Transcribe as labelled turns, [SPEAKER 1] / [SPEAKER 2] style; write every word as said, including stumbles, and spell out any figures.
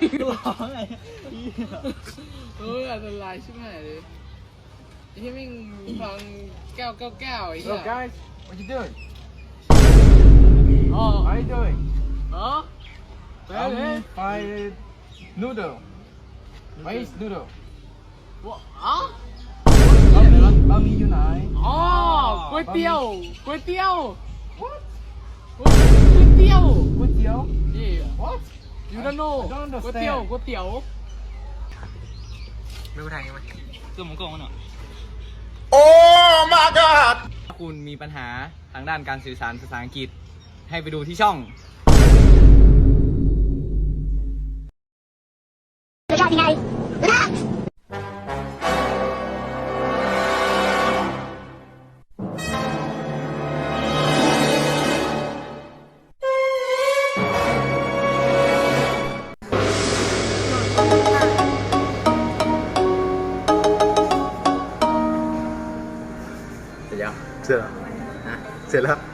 [SPEAKER 1] ร้องไง
[SPEAKER 2] เอออันตรายชิบหายเลยไอ้ที่มิ่งฟังแก้วแก้วแก้วไอ้เหี้
[SPEAKER 3] Hello
[SPEAKER 2] ย
[SPEAKER 3] guys, what you doing?
[SPEAKER 2] อ๋อ
[SPEAKER 3] How you doing?
[SPEAKER 2] เออ
[SPEAKER 3] I'm fine. Noodle. Where is noodle?
[SPEAKER 2] วะอ๋อ
[SPEAKER 3] บะหมี่บะหมี่อยู่ไหน
[SPEAKER 2] อ๋อก๋วยเตี๋ยวก๋วยเตี๋ยว
[SPEAKER 3] What?
[SPEAKER 2] ก๋วยเตี๋ยว
[SPEAKER 3] ก๋วยเตี๋ยว
[SPEAKER 2] นี่
[SPEAKER 3] What?
[SPEAKER 2] you don't know
[SPEAKER 3] I don't
[SPEAKER 2] ก๋วยเตี๋ยว
[SPEAKER 3] understand.
[SPEAKER 2] ก๋วยเตี๋ยว
[SPEAKER 1] ไม่รู้ทางยังไงตัวมังกรมันเหรอ
[SPEAKER 4] ถ้าคุณมีปัญหาทางด้านการสื่อสารภาษาอังกฤษให้ไปดูที่ช่อง
[SPEAKER 1] เสร็จแล้วเสร็จแล้วฮะเสร็จแล้ว